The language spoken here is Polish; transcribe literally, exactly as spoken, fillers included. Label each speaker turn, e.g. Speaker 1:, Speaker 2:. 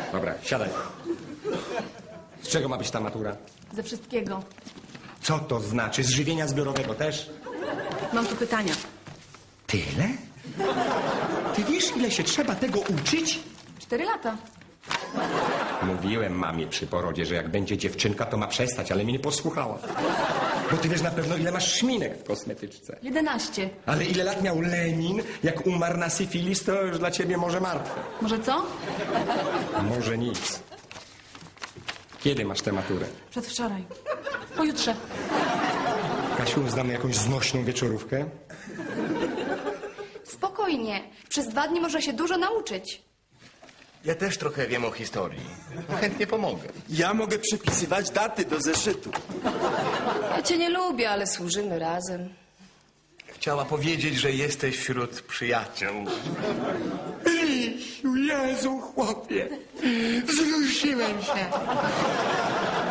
Speaker 1: Dobra, siadaj. Z czego ma być ta matura?
Speaker 2: Ze wszystkiego.
Speaker 1: Co to znaczy? Z żywienia zbiorowego też?
Speaker 2: Mam tu pytania.
Speaker 1: Tyle? Ty wiesz, ile się trzeba tego uczyć?
Speaker 2: Cztery lata.
Speaker 1: Mówiłem mamie przy porodzie, że jak będzie dziewczynka, to ma przestać, ale mnie nie posłuchała. Bo ty wiesz na pewno, ile masz szminek w kosmetyczce.
Speaker 2: Jedenaście.
Speaker 1: Ale ile lat miał Lenin, jak umarł na syfilis, to już dla ciebie może martwe.
Speaker 2: Może co?
Speaker 1: Może nic. Kiedy masz tę maturę?
Speaker 2: Przedwczoraj. Pojutrze.
Speaker 1: Kasiu, znamy jakąś znośną wieczorówkę?
Speaker 3: Spokojnie. Przez dwa dni można się dużo nauczyć.
Speaker 4: Ja też trochę wiem o historii. Chętnie pomogę.
Speaker 5: Ja mogę przypisywać daty do zeszytu.
Speaker 6: Ja cię nie lubię, ale służymy razem.
Speaker 4: Chciała powiedzieć, że jesteś wśród przyjaciół.
Speaker 1: Rysiu, Jezu, chłopie, wzruszyłem się.